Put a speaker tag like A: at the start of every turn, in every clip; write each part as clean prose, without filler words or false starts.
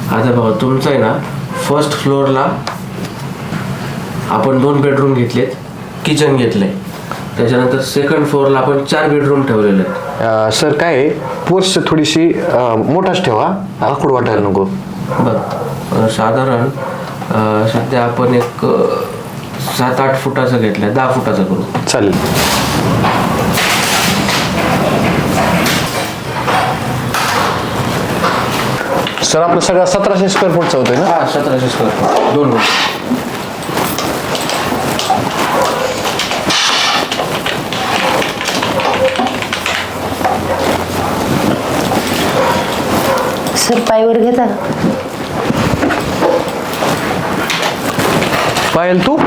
A: आता बघा तुमचं आहे ना, फर्स्ट फ्लोअरला आपण 2 बेडरूम घेतलेत, किचन घेतलंय. त्याच्यानंतर सेकंड फ्लोअरला आपण 4 बेडरूम ठेवलेले आहेत.
B: सर काय आहे, पोर्च थोडीशी मोठाच ठेवा, आखूड वाटायला नको.
A: बघ साधारण सध्या आपण एक 7-8 फुटाचं घेतलंय, 10 फुटाचं करू.
B: चालेल. सर आपलं सगळं 1700 स्क्वेअर फूटचं होतंय ना?
A: हा 1700 स्क्वेअर फूट, 2 रूम.
C: सर पायवर घेता का?
B: पायल तू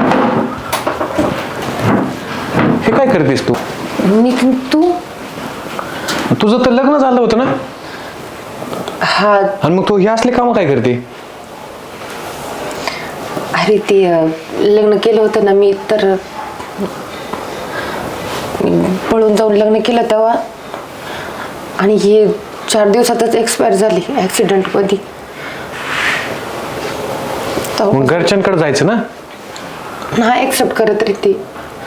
B: हे काय करतेस तू?
C: मी तू
B: तुझं तर लग्न झालं होतं ना?
C: हा.
B: आणि मग तू हे असले काम काय करते?
C: अरे ते लग्न केलं होतं ना मी, तर पळून जाऊन लग्न केलं तेव्हा, आणि हे 4 दिवसातच एक्सपायर झाली ऍक्सिडेंट मध्ये.
B: मग घरच्यांकडे जायचं ना?
C: हा एक्सेप्ट करत रे ते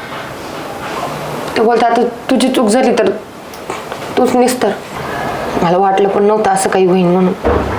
C: बोलतात आता तुझी चूक झाली तर तूच निस्तर. मला वाटलं पण नव्हतं असं काही होईल म्हणून,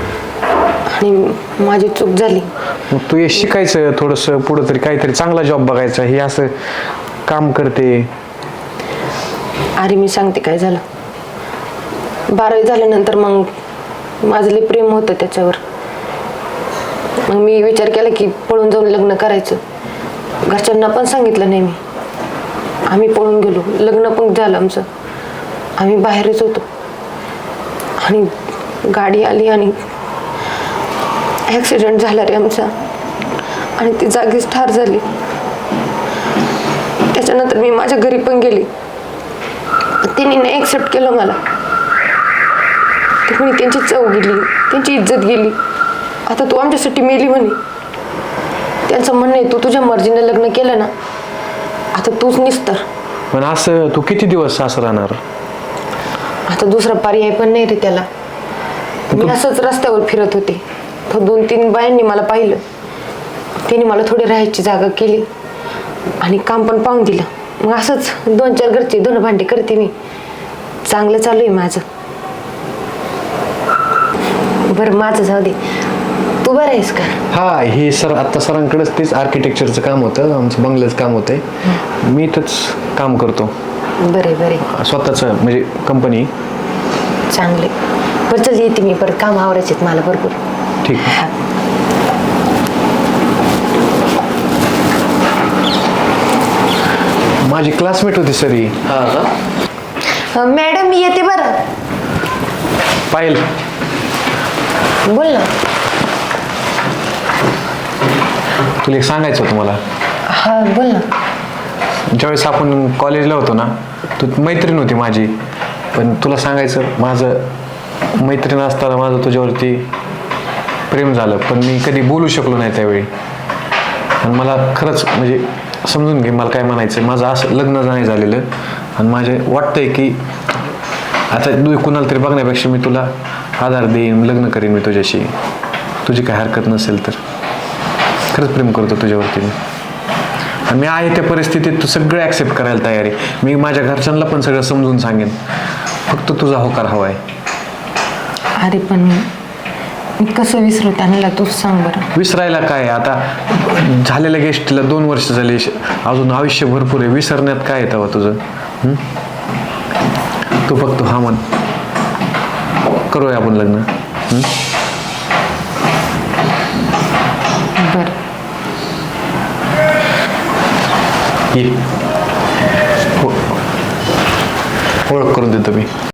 C: आणि माझी चूक झाली.
B: मग तू हे शिकायचं थोडंसं, पुढं तरी काहीतरी चांगला जॉब बघायचा. हे असं काम करते.
C: अरे मी सांगते काय झालं, 12वी झाल्यानंतर मग माझं लई प्रेम होतं त्याच्यावर. मग मी विचार केला की पळून जाऊन लग्न करायचं. घरच्यांना पण सांगितलं नाही मी. आम्ही पळून गेलो, लग्न पण झालं आमचं. आम्ही बाहेरच होतो आणि गाडी आली आणि ॲक्सिडेंट झाला रे आमचा, आणि ती जागीच ठार झाली. त्याच्यानंतर मी माझ्या घरी पण गेली, त्यांनी नाही ॲक्सेप्ट केलं मला. ते म्हणे त्यांची चव गेली, त्यांची इज्जत गेली, आता तू आमच्यासाठी मेली म्हणे. त्यांचं म्हणणं आहे तू तुझ्या मर्जीने लग्न केलं ना, आता तूच निस्तर.
B: पण असं तू किती दिवस असं राहणार?
C: आता दुसरा पर्याय पण नाही रे त्याला. मी असंच रस्त्यावर फिरत होते, तर 2-3 बायांनी मला पाहिलं. त्यांनी मला थोडी राहायची जागा केली आणि काम पण पाहून दिलं. मग असंच 2-4 घरचे धुणं भांडी करते मी. चांगलं चालू आहे माझं. बरं माझं जाऊ दे, तू बरं आहेस का?
B: हा, हे सर आता सरांकडेच तेच आर्किटेक्चरचं काम होतं, आमचं बंगल्याचं काम होतंय. मी इथंच काम करतो.
C: बरे बरे,
B: स्वतःचं म्हणजे कंपनी.
C: चांगले. बरं चल येते मी, परत काम आवरायचे मला भरपूर.
B: ठीक आहे.
C: हा.
B: माझी क्लासमेट होती सर ही.
A: हा का?
C: मॅडम मी येते बरं.
B: पायल,
C: बोल ना.
B: तुला एक सांगायचं होतं मला.
C: हा बोल ना.
B: ज्यावेळेस आपण कॉलेजला होतो ना, तू मैत्रीण होती माझी. पण तुला सांगायचं, माझं मैत्रीण असताना माझं तुझ्यावरती प्रेम झालं, पण मी कधी बोलू शकलो नाही त्यावेळी. आणि मला खरंच म्हणजे समजून घे मला काय म्हणायचं. माझं असं लग्न नाही झालेलं, आणि माझे वाटतंय की आता तू कुणाला तरी बघण्यापेक्षा मी तुला आधार देईन, लग्न करीन मी तुझ्याशी, तुझी काय हरकत नसेल तर. खरंच प्रेम करतो तुझ्यावरती मी, आणि मी आहे त्या परिस्थितीत तू सगळं ॲक्सेप्ट करायला तयार आहे. मी माझ्या घरच्यांना पण सगळं समजून सांगेन, फक्त तुझा होकार हवा आहे.
C: अरे पण मी कसं विसरू त्यांना, तूच सांग बरं.
B: विसरायला काय, आता झालेल्या गेस्टला 2 वर्ष झाली, अजून आयुष्य भरपूर आहे. विसरण्यात काय आहे तेव्हा तुझं? तू फक्त हा म्हण, करूया आपण लग्न.
C: बरं
B: ये, ओळख करून देतो मी.